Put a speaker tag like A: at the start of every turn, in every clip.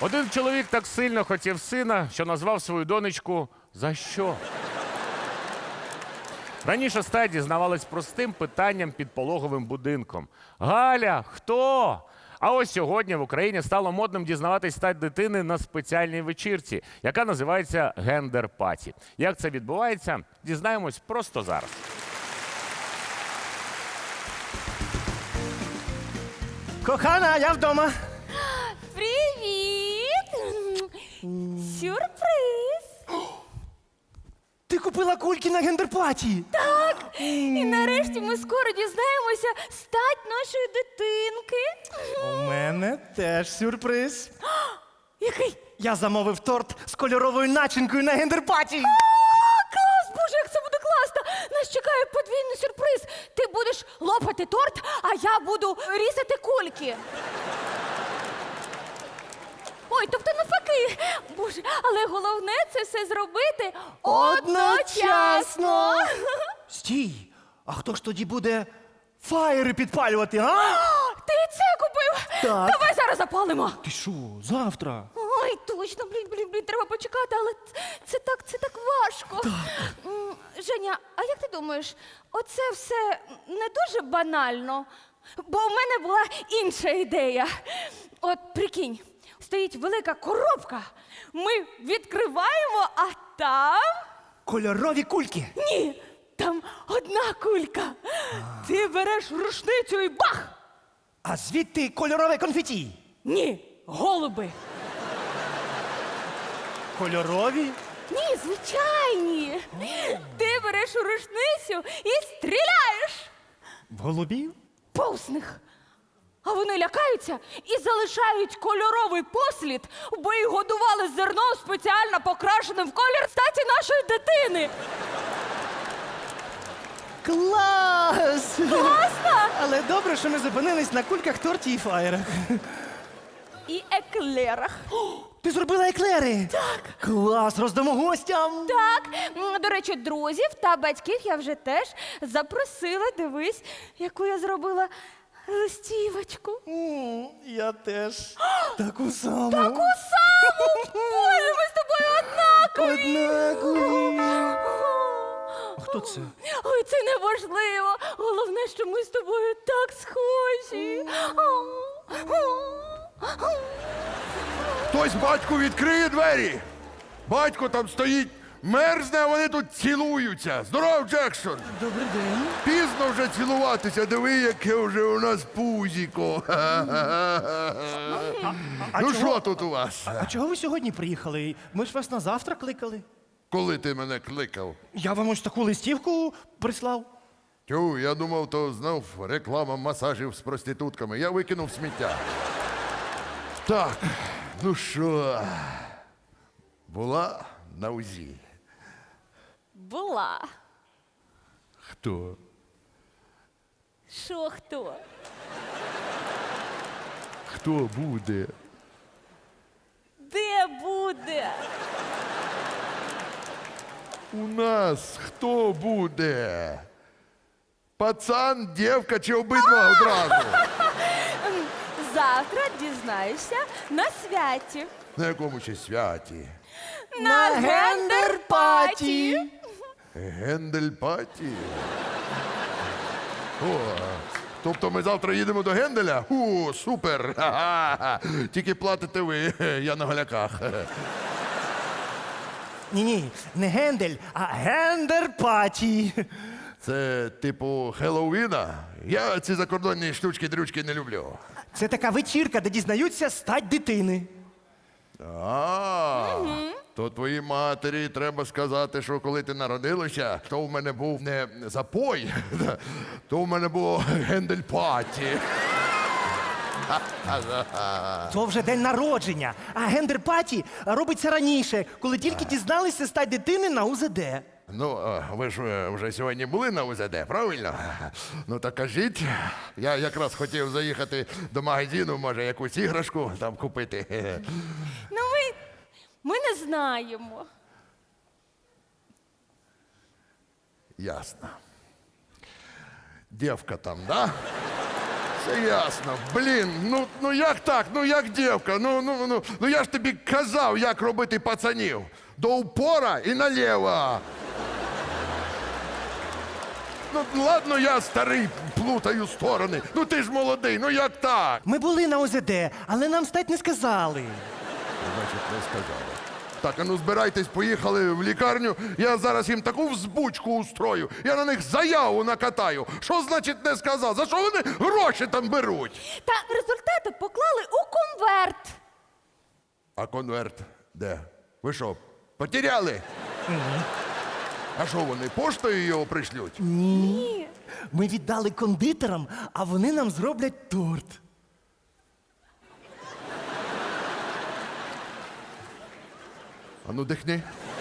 A: Один чоловік так сильно хотів сина, що назвав свою донечку «За що?». Раніше стать дізнавалась простим питанням під пологовим будинком. «Галя, хто?». А ось сьогодні в Україні стало модним дізнаватись стать дитини на спеціальній вечірці, яка називається гендер-паті. Як це відбувається, дізнаємось просто зараз.
B: Кохана, я вдома.
C: Привіт! Сюрприз!
B: Ти купила кульки на гендер-паті.
C: Так! І нарешті ми скоро дізнаємося стать нашої дитинки.
B: У мене теж сюрприз.
C: Який?
B: Я замовив торт з кольоровою начинкою на гендер-паті.
C: Клас! Боже, як це буде класно! Нас чекає подвійний сюрприз. Ти будеш лопати торт, а я буду різати кульки. Ой, тобто навпаки. Боже, але головне це все зробити одночасно.
B: Стій, а хто ж тоді буде фаєри підпалювати, а?
C: Ти це купив?
B: Так.
C: Давай зараз запалимо.
B: Ти що, завтра?
C: Ой, точно, блін, треба почекати, але це так важко. Женя, а як ти думаєш, оце все не дуже банально? Бо у мене була інша ідея. От прикинь, стоїть велика коробка, ми відкриваємо, а там...
B: Кольорові кульки.
C: Ні, там одна кулька. Ти береш рушницю і бах!
B: А звідти кольорове конфеті.
C: Ні, голуби.
B: Кольорові?
C: Ні, звичайні. Ти береш рушницю і стріляєш
B: В голубів?
C: повз них. А вони лякаються і залишають кольоровий послід, бо їх годували зерном спеціально покрашеним в колір статі нашої дитини.
B: Клас!
C: Класно!
B: Але добре, що ми зупинились на кульках, торті і фаєрах.
C: І еклерах.
B: Ти зробила еклери? Так. Клас, роздамо гостям.
C: Так, до речі, друзів та батьків я вже теж запросила. Дивись, яку я зробила листівочку.
B: Я теж. Таку саму.
C: Таку саму! Боже, ми з тобою однакові!
B: Однакові. А хто це?
C: Ой, це неважливо. Головне, що ми з тобою так схожі.
D: Хтось батьку відкриє двері. Батько там стоїть, мерзне, а вони тут цілуються. Здоров, Джексон!
B: Добрий день.
D: Пізно вже цілуватися, диви, яке вже у нас пузіко. Ну що тут у вас?
B: А чого ви сьогодні приїхали? Ми ж вас на завтра кликали.
D: Коли ти мене кликав?
B: Я вам ось таку листівку прислав.
D: Тю, я думав, то знов реклама масажів з проститутками. Я викинув сміття. Так, ну що, була на УЗІ?
C: Була.
D: Хто?
C: Що хто?
D: Хто буде?
C: Де буде?
D: У нас хто буде? Пацан, дівка чи обидва одразу?
C: Завтра дізнаєшся на святі.
D: На якому ще святі?
C: На гендер-паті.
D: Гендель-паті? О, тобто ми завтра їдемо до Генделя? Супер! Ха-ха-ха. Тільки платите ви, я на голяках.
B: Ні, не гендель, а гендер-паті.
D: Це типу Хеллоуіна? Я ці закордонні штучки-дрючки не люблю.
B: Це така вечірка, де дізнаються стать дитини.
D: То твоїй матері треба сказати, що коли ти народилася, то в мене був не запой, то в мене було гендель-паті.
B: То вже день народження, а гендер-паті робиться раніше, коли тільки дізналися стать дитини на УЗД.
D: Ну, ви ж вже сьогодні були на УЗД, правильно? Ну так кажіть, я якраз хотів заїхати до магазину, може, якусь іграшку там купити.
C: Ну, ми не знаємо.
D: Ясно. Дівка там, да? Все ясно. Блін, ну як так? Ну як дівка? Ну я ж тобі казав, як робити пацанів. До упора і наліво. Ну ладно, я старий, плутаю сторони. Ну ти ж молодий, ну як так?
B: Ми були на ОЗД, але нам стать не сказали.
D: Значить, не сказали. Так, а ну збирайтесь, поїхали в лікарню. Я зараз їм таку взбучку устрою. Я на них заяву накатаю. Що значить не сказав? За що вони гроші там беруть?
C: Та результати поклали у конверт.
D: А конверт де? Ви що, потеряли? А що вони, поштою його пришлють?
C: Ні.
B: Ми віддали кондитерам, а вони нам зроблять торт.
D: А ну дихни.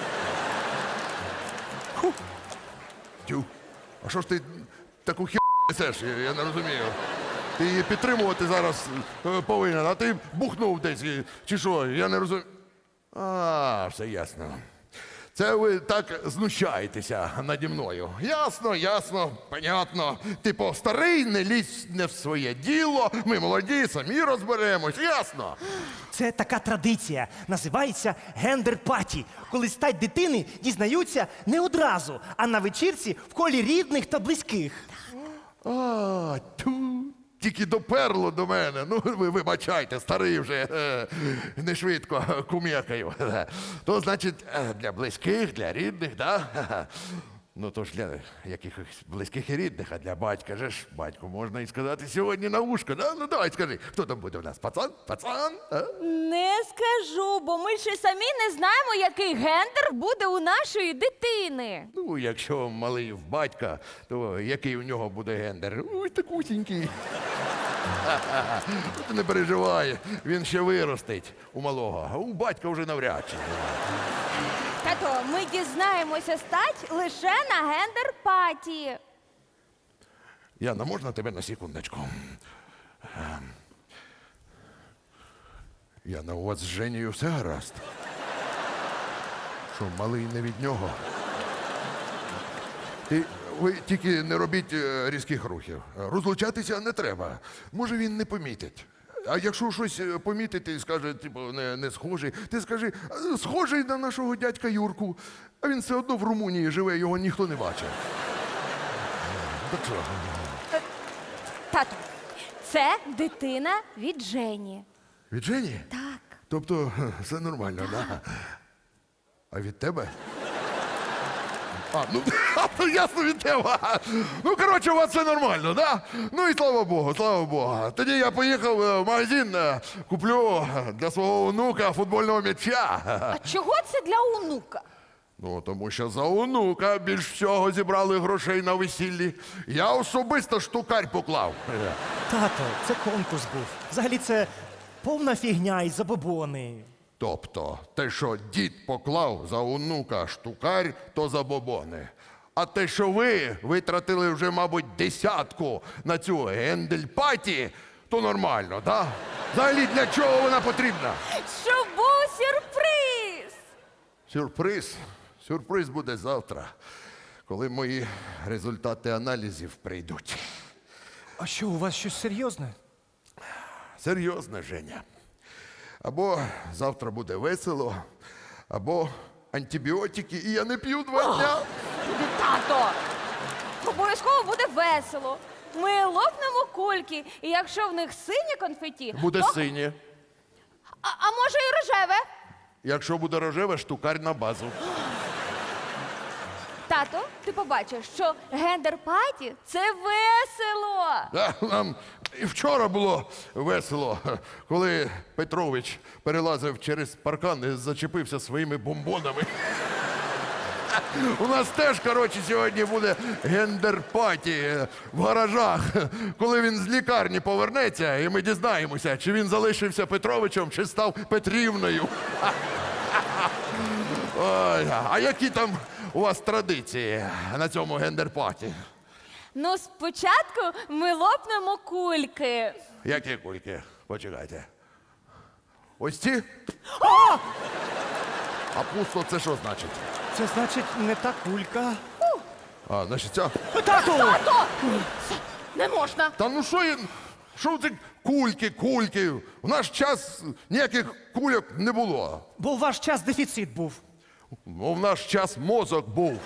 D: Фу. Тю. А що ж ти таку хі несеш? Я не розумію. Ти її підтримувати зараз повинен, а ти бухнув десь. Чи що? Я не розумію. А, все ясно. Це ви так знущаєтеся наді мною. Ясно, ясно, понятно. Типу, старий, не лізь не в своє діло, ми молоді, самі розберемось, ясно.
B: Це така традиція. Називається гендер-паті, коли стать дитини дізнаються не одразу, а на вечірці в колі рідних та близьких.
D: А, тю, тільки доперло до мене. Ну, ви вибачайте, старий вже, не швидко кумекаю. То, значить, для близьких, для рідних, да? Ну, то ж для якихось близьких і рідних, а для батька же ж, батьку можна і сказати сьогодні на вушко, да? Ну, давай скажи, хто там буде у нас? Пацан? Пацан? А?
C: Не скажу, бо ми ще самі не знаємо, який гендер буде у нашої дитини.
D: Ну, якщо малий в батька, то який у нього буде гендер? Ой, такусінький. Ти не переживай, він ще виростить у малого, а у батька вже навряд чи.
C: Тато, ми дізнаємося стать лише на гендер-паті.
D: Яна, можна тебе на секундочку? Яна, у вас з Женєю все гаразд? Що, малий не від нього? Ви тільки не робіть різких рухів. Розлучатися не треба. Може, він не помітить. А якщо щось помітити і скаже, типу, не схожий, ти скажи, схожий на нашого дядька Юрку, а він все одно в Румунії живе, його ніхто не бачив. Так що?
C: Тато, це дитина від Жені.
D: Від Жені?
C: Так.
D: Тобто все нормально, так? Да? А від тебе? А, ну ясно від тебе. Ну, коротше, у вас все нормально, да? Ну і слава Богу, слава Богу. Тоді я поїхав в магазин, куплю для свого онука футбольного м'яча.
C: А чого це для онука?
D: Ну, тому що за онука більш всього зібрали грошей на весіллі. Я особисто штукарь поклав.
B: Тато, це конкурс був. Взагалі це повна фігня і забобони.
D: Тобто, те, що дід поклав за онука штукарь, то забобони. А те, що ви витратили вже, мабуть, 10 на цю гендельпаті, то нормально, так? Да? Взагалі, для чого вона потрібна?
C: Щоб був сюрприз!
D: Сюрприз? Сюрприз буде завтра, коли мої результати аналізів прийдуть.
B: А що, у вас щось серйозне?
D: Серйозно, Женя. Або завтра буде весело, або антибіотики, і я не п'ю 2 дня.
C: Тато! Обов'язково буде весело. Ми лопнемо кульки, і якщо в них синє конфеті,
D: Буде
C: то...
D: синє.
C: А може і рожеве?
D: Якщо буде рожеве, штукарь на базу.
C: Тато, ти побачиш, що гендер-паті – це весело.
D: Нам і вчора було весело, коли Петрович перелазив через паркан і зачепився своїми бомбонами. У нас теж, коротше, сьогодні буде гендер-паті в гаражах, коли він з лікарні повернеться, і ми дізнаємося, чи він залишився Петровичем, чи став Петрівною. Ой, а які там у вас традиції на цьому гендер-паті?
C: Ну, спочатку ми лопнемо кульки.
D: Які кульки? Почекайте. Ось ці? А пусто це що значить?
B: Це значить не та кулька.
D: А, значить ця.
B: Тату!
C: Тато! Це не можна.
D: Та ну що я... Що це кульки? В наш час ніяких кульок не було.
B: Бо у ваш час дефіцит був.
D: Ну, в наш час мозок був.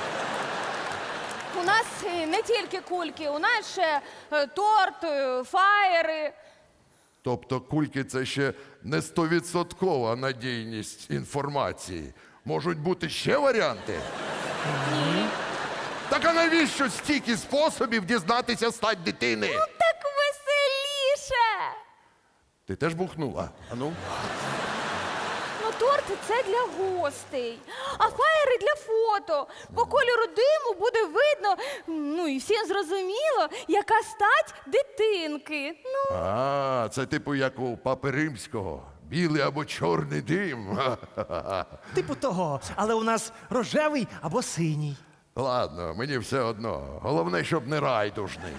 C: У нас не тільки кульки, у нас ще торт, фаєри.
D: Тобто кульки це ще не 100% надійність інформації. Можуть бути ще варіанти?
C: Ні.
D: Так а навіщо стільки способів дізнатися стать дитини?
C: Так веселіше.
D: Ти теж бухнула? А ну?
C: Ну, торти це для гостей, а фаєри для фото. По кольору диму буде видно, ну і всім зрозуміло, яка стать дитинки. Ну,
D: А, це типу як у Папи Римського. Білий або чорний дим.
B: Типу того, але у нас рожевий або синій.
D: Ладно, мені все одно. Головне, щоб не райдужний.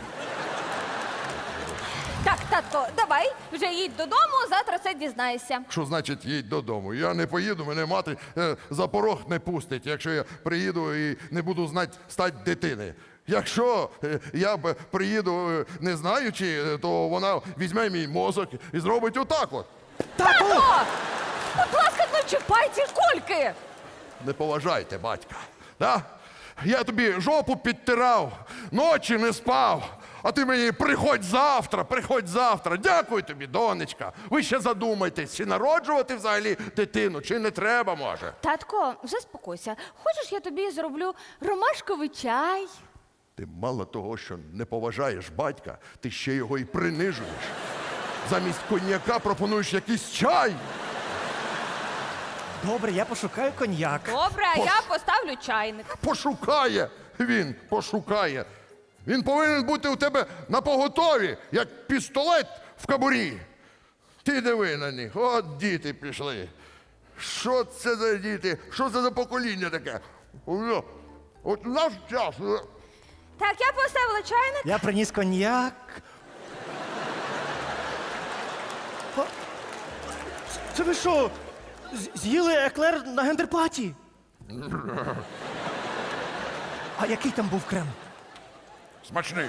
C: так, татко, давай, вже їдь додому, завтра все дізнаєшся.
D: Що значить їдь додому? Я не поїду, мене мати за порог не пустить, якщо я приїду і не буду знати стать дитини. Якщо я приїду не знаючи, то вона візьме мій мозок і зробить отак от.
B: Тату!
C: О, будь ласка, не чіпай ці кульки.
D: Не поважайте батька. Да? Я тобі жопу підтирав, ночі не спав. А ти мені приходь завтра. Дякую тобі, донечка. Ви ще задумайтесь, чи народжувати взагалі дитину, чи не треба, може.
C: Татко, заспокойся. Хочеш, я тобі зроблю ромашковий чай?
D: Ти мало того, що не поважаєш батька, ти ще його і принижуєш. Замість коньяка пропонуєш якийсь чай.
B: Добре, я пошукаю коньяк.
C: Добре, а я поставлю чайник.
D: Пошукає. Він повинен бути у тебе на поготові, як пістолет в кобурі. Ти диви на них, от діти пішли. Що це за діти? Що це за покоління таке? От у наш час.
C: Так, я поставила чайник.
B: Я приніс коньяк. О, це ви що? З'їли еклер на гендерпаті? А який там був крем?
D: Смачний.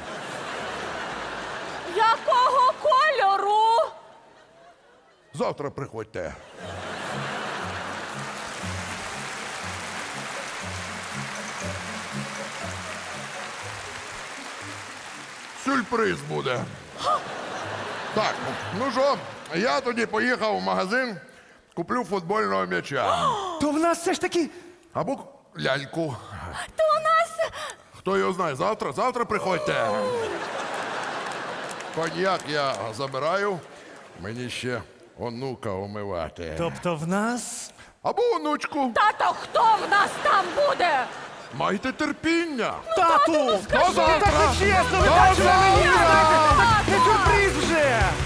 C: Якого кольору?
D: Завтра приходьте. Сюрприз буде. Так, ну що, я тоді поїхав в магазин, куплю футбольного м'яча.
B: То в нас все ж таки.
D: Або ляльку.
C: То у нас
D: Хто його знає, завтра приходьте. Коньяк я забираю, мені ще онука умивати.
B: Тобто в нас.
D: Або онучку.
C: тато, хто в нас там буде?
D: Майте терпіння.
B: Тату!
D: До завтра!
B: Так не чесно, ви
D: До
B: бачили
D: завтра!
B: мені! Не сюрприз вже!